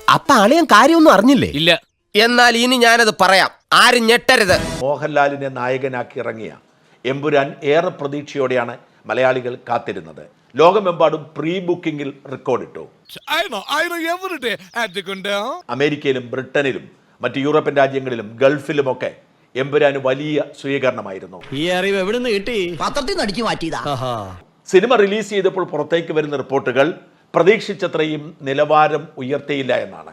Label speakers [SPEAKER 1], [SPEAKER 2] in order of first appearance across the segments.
[SPEAKER 1] അപ്പൊ അളിയൻ കാര്യമൊന്നും അറിഞ്ഞില്ലേ?
[SPEAKER 2] ഇല്ല.
[SPEAKER 1] എന്നാൽ ഇനി ഞാനത് പറയാം, ആരും ഞെട്ടരുത്.
[SPEAKER 3] മോഹൻലാലിനെ നായകനാക്കി ഇറങ്ങിയ എമ്പുരാൻ ഏറെ പ്രതീക്ഷയോടെയാണ് മലയാളികൾ കാത്തിരുന്നത്. ലോകമെമ്പാടും പ്രീ ബുക്കിംഗിൽ റെക്കോർഡിട്ടു. അമേരിക്കയിലും ബ്രിട്ടനിലും മറ്റ് യൂറോപ്യൻ രാജ്യങ്ങളിലും ഗൾഫിലുമൊക്കെ എമ്പുരാന് വലിയ സ്വീകരണമായിരുന്നു.
[SPEAKER 2] ഈ അറിവ് എവിടുന്ന് കിട്ടി?
[SPEAKER 4] പത്രത്തിൽ നിന്ന് അടിച്ചു മാറ്റിയതാ.
[SPEAKER 3] സിനിമ റിലീസ് ചെയ്തപ്പോൾ പുറത്തേക്ക് വരുന്ന റിപ്പോർട്ടുകൾ പ്രതീക്ഷിച്ചത്രയും നിലവാരം ഉയർത്തിയില്ല എന്നാണ്.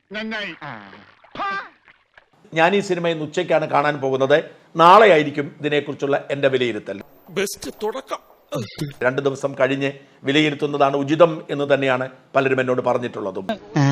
[SPEAKER 3] ഞാൻ ഈ സിനിമ ഇന്ന് ഉച്ചയ്ക്കാണ് കാണാൻ പോകുന്നത്. നാളെ ആയിരിക്കും ഇതിനെക്കുറിച്ചുള്ള എൻ്റെ വിലയിരുത്തൽ.
[SPEAKER 2] ബെസ്റ്റ് തുടക്കം.
[SPEAKER 3] 2 ദിവസം കഴിഞ്ഞ് വിലയിരുത്തുന്നതാണ് ഉചിതം എന്ന് തന്നെയാണ് പലരും എന്നോട് പറഞ്ഞിട്ടുള്ളതും.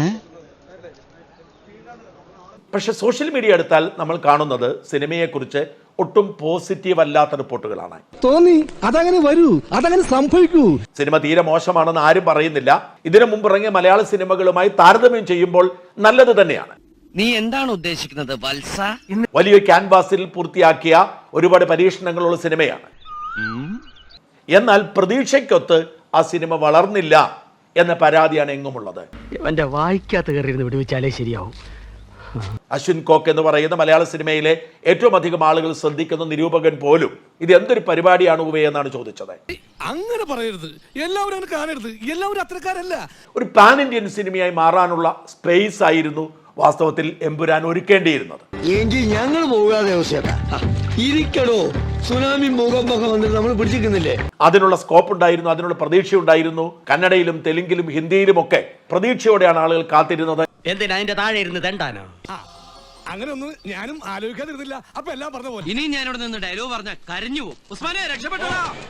[SPEAKER 3] പക്ഷെ സോഷ്യൽ മീഡിയ എടുത്താൽ നമ്മൾ കാണുന്നത് സിനിമയെക്കുറിച്ച് ഒട്ടും പോസിറ്റീവ് അല്ലാത്ത റിപ്പോർട്ടുകളാണ്.
[SPEAKER 5] തോന്നി അതങ്ങനെ വരൂ, അതങ്ങനെ സംഭവിക്കൂ.
[SPEAKER 3] സിനിമ തീരെ മോശമാണെന്ന് ആരും പറയുന്നില്ല. ഇതിനു മുമ്പ് ഇറങ്ങിയ മലയാള സിനിമകളുമായി താരതമ്യം ചെയ്യുമ്പോൾ നല്ലത് തന്നെയാണ്.
[SPEAKER 4] നീ എന്താണ് ഉദ്ദേശിക്കുന്നത് വത്സ?
[SPEAKER 3] വലിയ ക്യാൻവാസിൽ പൂർത്തിയാക്കിയ ഒരുപാട് പരീക്ഷണങ്ങളുള്ള സിനിമയാണ്. എന്നാൽ പ്രതീക്ഷയ്ക്കൊത്ത് ആ സിനിമ വളർന്നില്ല എന്ന പരാതിയാണ് എങ്ങുമുള്ളത്.
[SPEAKER 6] എന്റെ വായിക്കാത്ത കയറിയിരുന്ന് വിടുവിച്ചാലേ ശരിയാവും.
[SPEAKER 3] അശ്വിൻ കോക്ക് എന്ന് പറയുന്ന മലയാള സിനിമയിലെ ഏറ്റവും അധികം ആളുകൾ ശ്രദ്ധിക്കുന്ന നിരൂപകൻ പോലും ഇത് എന്തൊരു പരിപാടിയാണ് ഉവേ എന്നാണ് ചോദിച്ചത്.
[SPEAKER 2] അങ്ങനെ പറയരുത്, എല്ലാവരും അങ്ങനെ കാണരുത്, എല്ലാവരും അത്രക്കാരല്ല.
[SPEAKER 3] ഒരു പാൻ ഇന്ത്യൻ സിനിമയായി മാറാനുള്ള സ്പേസ് ആയിരുന്നു വാസ്തവത്തിൽ എമ്പുരാൻ ഒരുക്കേണ്ടിയിരുന്നത്.
[SPEAKER 5] എങ്കിൽ ഞങ്ങൾ പോകാതെ ഇരിക്കടോ, സുനാമി ഭൂകമ്പൊക്കെ വന്നിട്ട് നമ്മൾ പിടിച്ചിരിക്കുന്നില്ലേ?
[SPEAKER 3] അതിനുള്ള സ്കോപ്പ് ഉണ്ടായിരുന്നു, അതിനുള്ള പ്രതീക്ഷയുണ്ടായിരുന്നു. കന്നഡയിലും തെലുങ്കിലും ഹിന്ദിയിലും ഒക്കെ പ്രതീക്ഷയോടെയാണ് ആളുകൾ കാത്തിരുന്നത്.
[SPEAKER 6] എന്തിനാ അതിന്റെ താഴെ ഇരുന്ന് തെണ്ടാനോ?
[SPEAKER 2] അങ്ങനെ ഒന്നും ഞാനും ആലോചിക്കാതിരുന്നില്ല. അപ്പൊ എല്ലാം പറഞ്ഞ പോലെ
[SPEAKER 6] ഇനി ഞാനിവിടെ നിന്ന് ഡയലോഗ് പറഞ്ഞ കരഞ്ഞു പോകും. ഉസ്മാനെ രക്ഷപ്പെട്ടോ.